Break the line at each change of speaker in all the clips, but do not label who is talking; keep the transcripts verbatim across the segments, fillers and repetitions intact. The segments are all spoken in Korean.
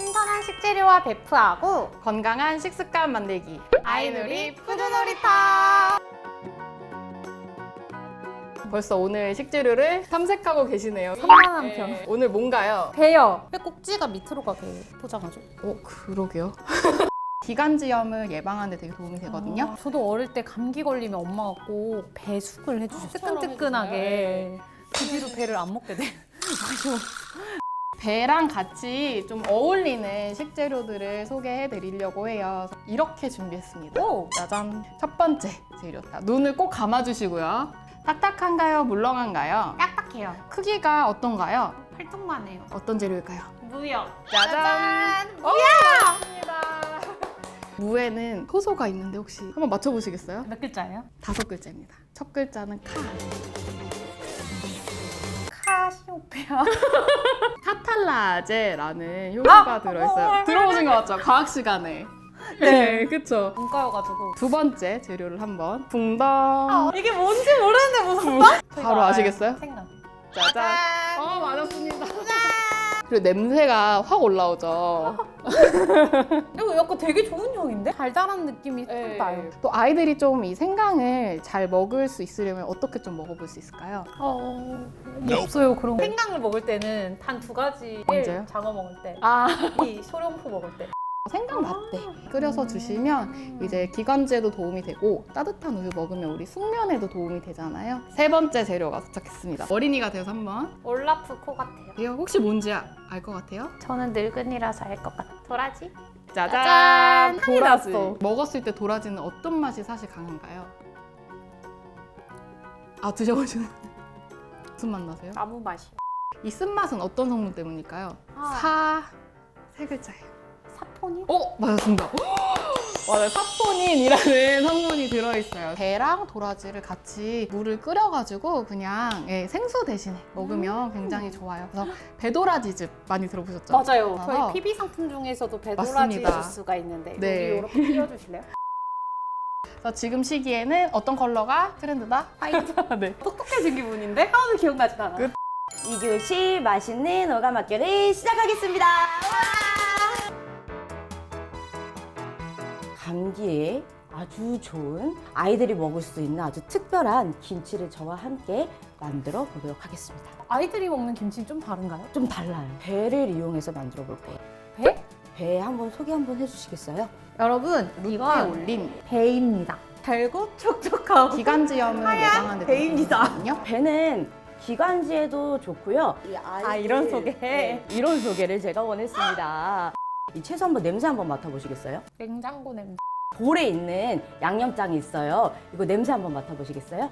신선한 식재료와 배프하고
건강한 식습관 만들기.
아이누리 푸드놀이터.
벌써 오늘 식재료를 탐색하고 계시네요.
산만한 편.
네. 오늘 뭔가요?
배요. 배 꼭지가 밑으로 가게 포장하죠.
어, 그러게요. 기관지염을 예방하는 데 되게 도움이 되거든요.
아, 저도 어릴 때 감기 걸리면 엄마가 꼭 배숙을 해주셨어요. 뜨끈뜨끈하게. 그 뒤로 배를 안 먹게 돼.
배랑 같이 좀 어울리는 식재료들을 소개해 드리려고 해요. 이렇게 준비했습니다.
오!
짜잔! 첫 번째 재료다. 눈을 꼭 감아주시고요. 딱딱한가요? 물렁한가요?
딱딱해요.
크기가 어떤가요?
활동만 해요.
어떤 재료일까요?
무역.
짜잔!
무역!
무에는 효소가 있는데 혹시 한번 맞춰보시겠어요?
몇 글자예요?
다섯 글자입니다. 첫 글자는 카.
카시오페아.
카탈라제라는 효소가
아!
들어있어요.
어,
들어보신 거 맞죠? 과학 시간에.
네.
그쵸?
문과여가지고.
두 번째 재료를 한번 붕덩.
아, 이게 뭔지 모르는데 무섭다?
바로 아시겠어요?
생각.
짜잔. 어, 맞았습니다. 그리고 냄새가 확 올라오죠.
이거 약간 되게 좋은 향인데? 달달한 느낌이
네.
딱 나요.
또 아이들이 좀 이 생강을 잘 먹을 수 있으려면 어떻게 좀 먹어볼 수 있을까요?
어... 없어요 그런 거. 생강을 먹을 때는 단 두 가지.
언제요?
장어 먹을 때.
아,
이 소룡포 먹을 때.
생강 라떼 끓여서 주시면 이제 기관지에도 도움이 되고 따뜻한 우유 먹으면 우리 숙면에도 도움이 되잖아요. 세 번째 재료가 도착했습니다. 어린이가 되어서 한번.
올라프 코 같아요.
이거 혹시 뭔지 알 것 같아요?
저는 늙은이라서 알 것 같아요. 도라지?
짜잔!
짜잔! 향이
도라지.
났어.
먹었을 때 도라지는 어떤 맛이 사실 강한가요? 아, 드셔보시는 무슨 맛 나세요?
아무 맛이요.
이 쓴맛은 어떤 성분 때문일까요?
아.
사, 세 글자예요.
사포닌?
어? 맞았습니다. 맞아요. 사포닌이라는 성분이 들어있어요. 배랑 도라지를 같이 물을 끓여가지고 그냥 예, 생수 대신에 먹으면 굉장히 좋아요. 그래서 배도라지즙 많이 들어보셨죠?
맞아요.
그래서
저희 피비 상품 중에서도 배도라지
맞습니다.
주스가 있는데
네.
여기 이렇게 띄워주실래요?
그래서 지금 시기에는 어떤 컬러가 트렌드다?
화이트.
네.
똑똑해진 기분인데? 하나도 기억나지 않아.
끝.
이 교시 맛있는 오감학교를 시작하겠습니다. 감기에 아주 좋은 아이들이 먹을 수 있는 아주 특별한 김치를 저와 함께 만들어 보도록 하겠습니다.
아이들이 먹는 김치는 좀 다른가요?
좀 달라요. 배를 이용해서 만들어 볼 거예요.
배?
배 한번 소개 한번 해주시겠어요?
여러분
루트에
이건
올린
배입니다. 달고 촉촉하고
기관지염을 예방하는 데
배입니다.
되거든요.
배는 기관지에도 좋고요. 이
아, 이런 소개?
네, 이런 소개를 제가 원했습니다. 이 채소 한번 냄새 한번 맡아보시겠어요?
냉장고 냄새.
볼에 있는 양념장이 있어요. 이거 냄새 한번 맡아보시겠어요?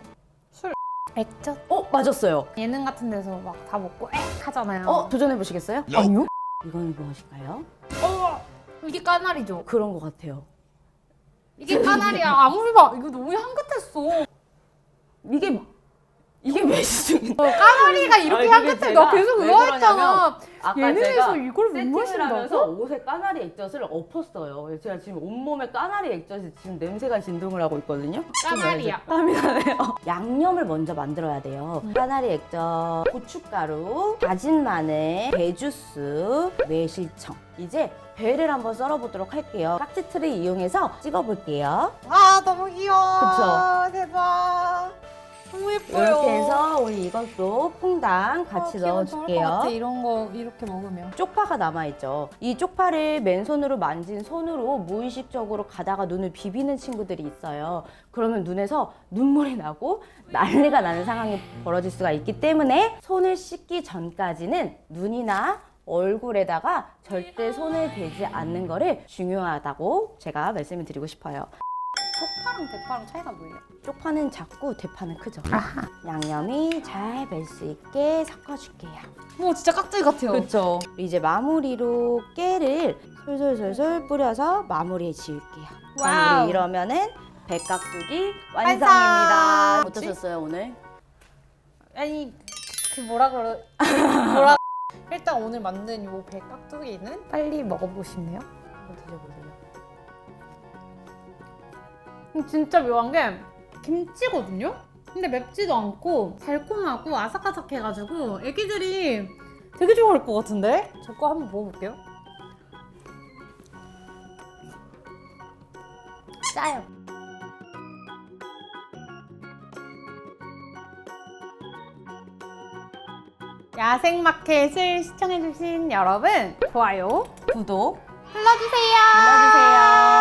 액젓?
어, 맞았어요.
예능 같은 데서 막 다 먹고 액 하잖아요.
어, 도전해보시겠어요?
아니요?
이건 무엇일까요?
어, 이게 까나리죠.
그런 것 같아요.
이게 까나리야. 아무리 봐. 이거 너무 향긋했어.
이게, 이게 매시중인데.
까나리가 이렇게
아니, 그게
향긋해.
제가
나 계속
왜
의아했잖아.
아까
예능에서
제가
이걸 못
세팅을 하면서
마신다고?
옷에 까나리 액젓을 엎었어요. 제가 지금 온몸에 까나리 액젓이 지금 냄새가 진동을 하고 있거든요.
까나리야.
땀이 나네요. 양념을 먼저 만들어야 돼요. 까나리 액젓, 고춧가루, 다진 마늘, 배주스, 매실청. 이제 배를 한번 썰어보도록 할게요. 깍지틀을 이용해서 찍어볼게요.
아, 너무 귀여워.
그쵸?
대박. 너무 예뻐요.
이렇게 해서 우리 이것도 퐁당 같이
어, 기분 좋을 것
넣어줄게요.
같아, 이런 거 이렇게 먹으면.
쪽파가 남아있죠. 이 쪽파를 맨손으로 만진 손으로 무의식적으로 가다가 눈을 비비는 친구들이 있어요. 그러면 눈에서 눈물이 나고 난리가 나는 상황이 벌어질 수가 있기 때문에 손을 씻기 전까지는 눈이나 얼굴에다가 절대 손을 대지 않는 거를 중요하다고 제가 말씀을 드리고 싶어요.
쪽파랑 대파랑 차이가 뭐예요?
쪽파는 작고 대파는 크죠.
아하.
양념이 잘 뺄 수 있게 섞어줄게요.
뭐 진짜 깍두기 같아요.
그렇죠. 이제 마무리로 깨를 솔솔솔솔 뿌려서 마무리해 지을게요.
와우.
마무리 이러면은 백깍두기
완성!
완성입니다. 어떠셨어요 오늘?
아니 그 뭐라 그러 뭐라 일단 오늘 만든 요 배깍두기는 빨리 먹어보고 싶네요.
한번 드셔보세요.
진짜 묘한 게 김치거든요? 근데 맵지도 않고 달콤하고 아삭아삭해가지고 애기들이 되게 좋아할 것 같은데? 저 거 한번 먹어볼게요.
짜요.
야생마켓을 시청해주신 여러분, 좋아요
구독
눌러주세요.
눌러주세요.